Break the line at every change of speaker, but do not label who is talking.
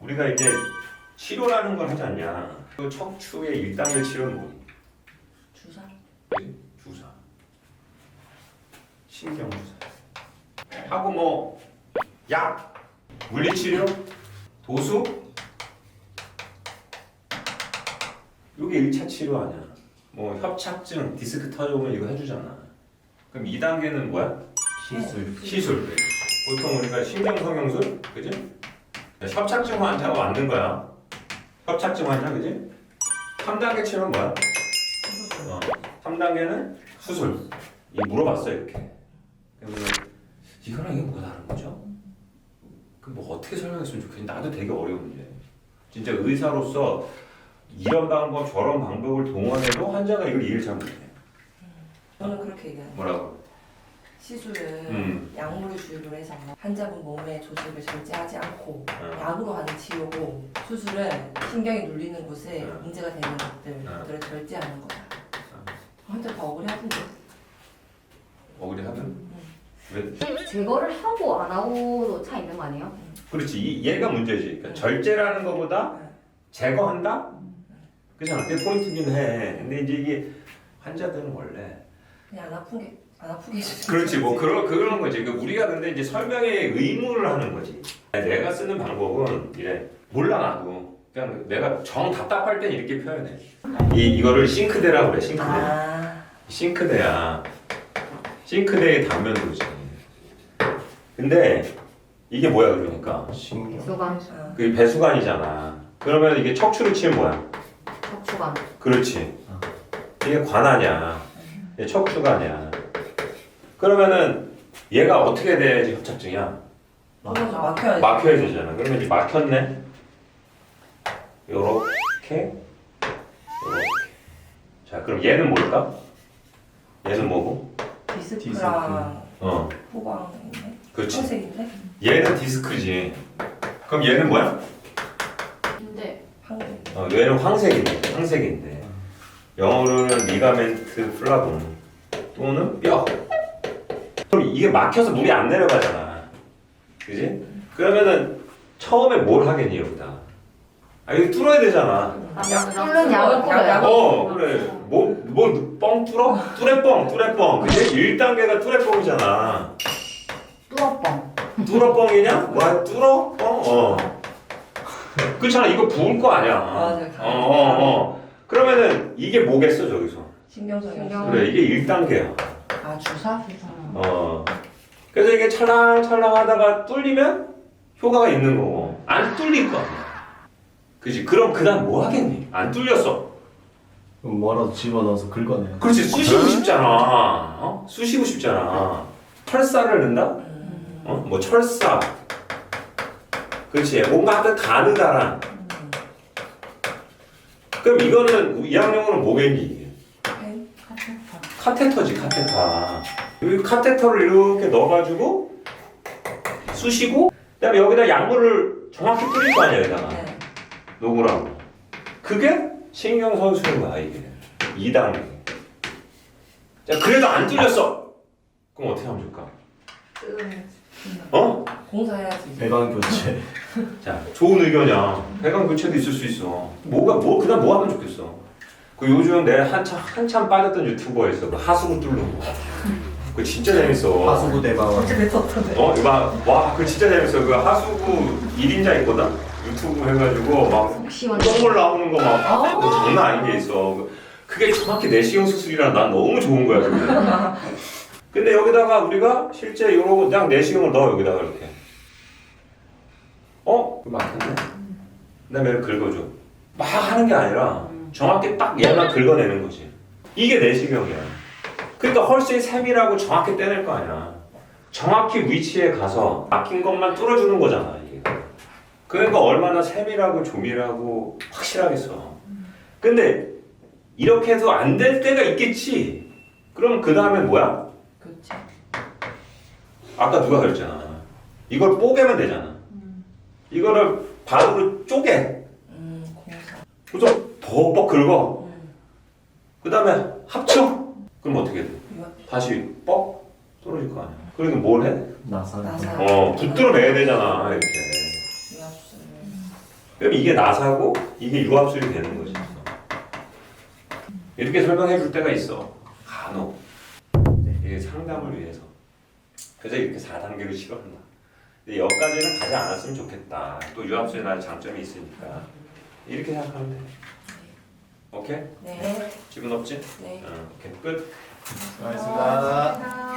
우리가 이제 치료라는 걸 하지 않냐. 그 척추의 1단계 치료는 뭐니?
주사?
그치? 주사. 신경주사. 하고 뭐 약, 물리치료, 도수. 이게 1차 치료 아니야. 뭐 협착증, 디스크 터져오면 이거 해주잖아. 그럼 2단계는 뭐야? 시술. 보통 우리가 신경성형술, 그지? 협착증 환자가 만든 거야. 협착증 환자, 그지? 3단계 치료는 뭐야? 3단계는 수술. 이 물어봤어 이렇게. 그러면 이거랑 이게 뭐가 다른 거죠? 그 뭐 어떻게 설명했으면 좋겠지? 나도 되게 어려운 문제. 진짜 의사로서 이런 방법 저런 방법을 동원해도 환자가 이걸 이해를 잘 못해.
저는 그렇게 얘기해요.
뭐라고?
시술은 약물을 주입을 해서 환자분 몸의 조직을 절제하지 않고 약으로 하는 치료고, 수술은 신경이 눌리는 곳에 문제가 되는 것들을 절제하는 거다. 환자 다 억울해하던데.
억울해하든? 왜?
제거를 하고 안 하고도 차 있는 거 아니에요?
그렇지. 얘가 문제지. 그러니까 절제라는 것보다 제거한다? 그잖아. 그게 포인트긴 해. 근데 이제 이게 환자들은 원래
그냥 안 아프게 해주세요.
그렇지. 뭐 그런 거지. 그 우리가 근데 이제 설명에 의무를 하는 거지. 내가 쓰는 방법은 이래. 몰라 나도. 그냥 내가 정 답답할 땐 이렇게 표현해. 이거를 싱크대라고 그래. 싱크대. 싱크대야. 싱크대의 단면도지. 근데 이게 뭐야 그러니까?
배수관,
그 배수관이잖아. 그러면 이게 척추를 치면 뭐야?
척추관.
그렇지. 이게 관하냐? 이게 척추관이야. 그러면은 얘가 어떻게 돼야지 협착증이야?
막혀야지.
막혀야 되잖아. 그러면 이제 막혔네. 요렇게. 자, 그럼 얘는 뭘까? 얘는 뭐고?
디스크랑 후방 있네.
그렇지.
청색인데?
얘는 디스크지. 그럼 얘는 뭐야?
근데
황색.
얘는 황색인데. 황색인데. 영어로는 리가멘트 플라본 또는 뼈. 그럼 이게 막혀서 물이 안 내려가잖아. 그지? 그러면은 처음에 뭘 하겠니 여기다? 이거 뚫어야 되잖아.
뚫는 약을 뿌려요.
그래. 뻥 뚫어? 뚜레뻥. 그지? 1단계가 뚜레뻥이잖아.
뚫어뻥.
뚫어뻥이냐? 뭐야? 뚫어? 그렇잖아. 이거 부을 거 아니야.
맞아.
그러면은 이게 뭐겠어 저기서?
신경성형.
그래. 이게 1단계야.
아, 주사?
그래서 이게 찰랑찰랑 하다가 뚫리면 효과가 있는 거고 안 뚫릴 거 아니야. 그지? 그럼 그 다음 뭐 하겠니? 안 뚫렸어.
그럼 뭐라도 집어넣어서 긁어내요.
그렇지. 쑤시고 싶잖아. 쑤시고 싶잖아. 철사를 넣는다? 뭐 철사. 그렇지. 뭔가 하여튼 가느다란. 그럼 이거는 2학년으로 뭐겠니 이게? 카테터지. 카테터. 여기 카테터를 이렇게 넣어가지고 쑤시고 그다음에 여기다 약물을 정확히 뿌릴 거 아니야 여기다가.
네.
녹으라고. 그게 신경선수인 거야 이게. 2단계. 자 그래도 안 뚫렸어. 그럼 어떻게 하면 좋을까?
공사해야지.
배관 교체.
자 좋은 의견이야. 배관 교체도 있을 수 있어. 그다음 뭐 하면 좋겠어? 그 요즘 내 한참 빠졌던 유튜버에 있어. 그 하수구 뚫는 거. 그거 진짜 재밌어.
하수구 대방어.
진짜 뱉었던데.
그거 진짜 재밌어. 그 하수구 1인자 있거든? 유튜브 해가지고 막
시원해.
똥물 나오는 거 막 장난 아닌 게 있어. 그게 정확히 내시경 수술이라 난 너무 좋은 거야. 그게. 근데 여기다가 우리가 실제 요러고 그냥 내시경을 넣어 여기다가 이렇게. 그거 막혔네. 그다음에 얘를 긁어줘. 막 하는 게 아니라 정확히 딱 얘만 긁어내는 거지. 이게 내시경이야. 그러니까 훨씬 세밀하고 정확히 떼낼 거 아니야. 정확히 위치에 가서 막힌 것만 뚫어주는 거잖아 이게. 그러니까 얼마나 세밀하고 조밀하고 확실하겠어. 근데 이렇게 해도 안 될 때가 있겠지. 그럼 그 다음에 뭐야?
그렇지.
아까 누가 그랬잖아. 이걸 뽀개면 되잖아. 이거를 반으로 쪼개.
공사.
그래서 벅벅 긁어. 그 다음에 합쳐. 그럼 어떻게 돼? 다시 뻑 떨어질 거 아니야. 그러니까 뭘 해?
나사.
나사.
붙들어 매야 되잖아 이렇게.
유압술.
그럼 이게 나사고 이게 유압술이 되는 거지. 이렇게 설명해 줄 때가 있어. 간혹. 이게 상담을 위해서. 그래서 이렇게 4단계로 치료한다. 근데 여기까지는 가지 않았으면 좋겠다. 또 유압술에 나의 장점이 있으니까. 이렇게 생각하면 돼. 오케이?
네.
질문 없지?
네.
오케이. 끝.
수고하셨습니다.